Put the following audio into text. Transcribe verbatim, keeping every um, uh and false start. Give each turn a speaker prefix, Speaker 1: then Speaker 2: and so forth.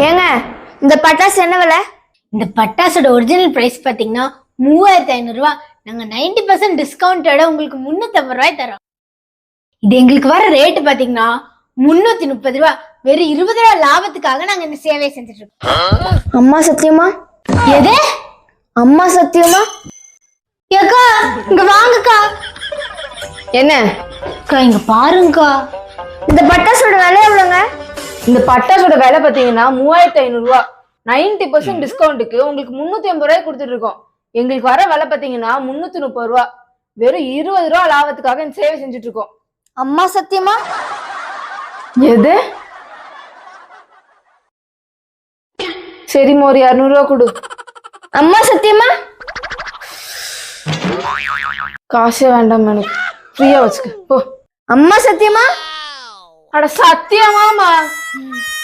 Speaker 1: ஏங்க இந்த பட்டாசு என்ன விலை?
Speaker 2: இந்த பட்டாசோட ஒரிஜினல் பிரைஸ் பாத்தீங்கன்னா மூவாயிரத்தி ஐநூறு ரூபாய். நாங்க நைன்டி பர்சன்ட் டிஸ்கவுண்டோட உங்களுக்கு முன்னூத்தி ஐம்பது ரூபாய் தரோம். இது எங்களுக்கு வர ரேட்டு பாத்தீங்கன்னா முன்னூத்தி முப்பது ரூபாய். வெறும் இருபது ரூபாய் லாபத்துக்காக நாங்க இந்த சேவையை செஞ்சுட்டு இருக்கோம்.
Speaker 1: அம்மா சத்தியமா?
Speaker 2: எது
Speaker 1: அம்மா சத்தியமா?
Speaker 2: ஏக்கா இங்க வாங்கக்கா.
Speaker 1: என்ன
Speaker 2: அக்கா இங்க பாருங்கக்கா.
Speaker 1: இந்த பட்டாசோட விலை எவ்வளோங்க?
Speaker 3: இந்த பட்டாசோட விலை பாத்தீங்கன்னா மூவாயிரத்தி ஐநூறு ரூபா. நைன்டி பர்சன்ட் டிஸ்கவுண்ட்டுக்கு உங்களுக்கு முன்னூத்தி ஐம்பது ரூபாய் கொடுத்துட்டு இருக்கோம். எங்களுக்கு வர விலை பாத்தீங்கன்னா முன்னூத்தி முப்பது ரூபா. வெறும் இருபது ரூபா லாபத்துக்காக இந்த சேவை செஞ்சுட்டு இருக்கோம்.
Speaker 1: அம்மா சத்தியமா?
Speaker 3: எது? சரிம்மா ஒரு இருநூறு ரூபா கொடு.
Speaker 1: அம்மா சத்தியமா?
Speaker 3: காசே வேண்டாம் எனக்கு, ஃப்ரீயா வச்சுக்க போ.
Speaker 1: அம்மா சத்தியமா?
Speaker 3: அட சத்தியமாமா?